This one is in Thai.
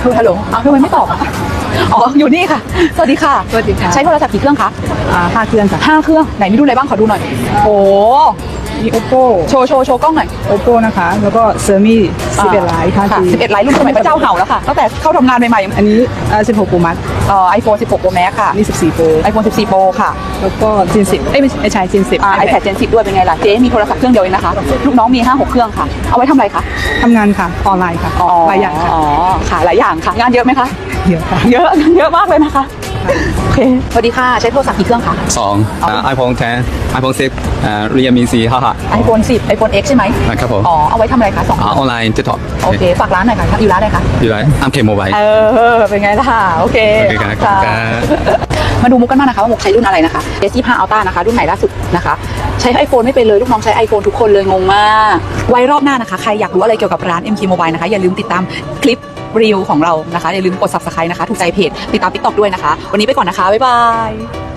ฮัลโหลอ้าวทำไมไม่ตอบอ่ะอ๋ออยู่นี่ค่ะสวัสดีค่ะสวัสดีค่ะใช้โทรศัพท์กี่เครื่องคะ 5 เครื่องค่ะ 5 เครื่องไหนมีรุ่นอะไรบ้างขอดูหน่อยโอ้มี Oppo โชว์กล้องหน่อย Oppo นะคะ แล้วก็ Xiaomi 11 ไลท์ค่ะ 5G 11 ไลท์รุ่นสมัยพระเจ้าเห่าแล้วค่ะตั้งแต่เข้าทำงานใหม่ๆอันนี้16 Pro Max iPhone 16 Pro Max ค่ะนี่14 Pro iPhone 14 Pro ค่ะแล้วก็ Gen 10ไม่ใช่ Gen 10 iPad Gen 10 ด้วยเป็นไงล่ะเจ๊มีโทรศัพท์เครื่องเดียวเองนะคะลูกน้องมี 5-6 เครื่องค่ะเอาไว้ทำอะไรคะทำงานค่ะ ออนไลน์ค่ะหลายอย่างค่ะอ๋อค่ะหลายอย่างค่ะงานเยอะไหมคะเยอะค่ะเยอะมากเลยนะคะโอเคสวัสดีค่ะใช้โทรศัพท์กี่เครื่องคะ iPhone 10 iPhone 10 Realme 4 5 iPhone 10 iPhone X ใช่ไหมนะครับผมอ๋อเอาไว้ทำอะไรคะ2 ออนไลน์จะตอบโอเคฝากร้านหน่อยค่ะอยู่ร้านไหนคะอยู่ไรอัมเคโมบายเป็นไงล่ะโอเคโอเคครับขอบคุณครับมาดูมุกกันบ้างนะคะว่ามุกใช้รุ่นอะไรนะคะ S25 Ultra นะคะรุ่นใหม่ล่าสุดนะคะใช้ iPhone ไม่เป็นเลยลูกน้องใช้ iPhone ทุกคนเลยงงมากไว้รอบหน้านะคะใครอยากรู้อะไรเกี่ยวกับร้าน MK Mobile นะคะอย่าลืมติดตามคลิปรีวิวของเรานะคะอย่าลืมกด Subscribe นะคะถูกใจเพจติดตาม TikTok ด้วยนะคะวันนี้ไปก่อนนะคะบ๊ายบาย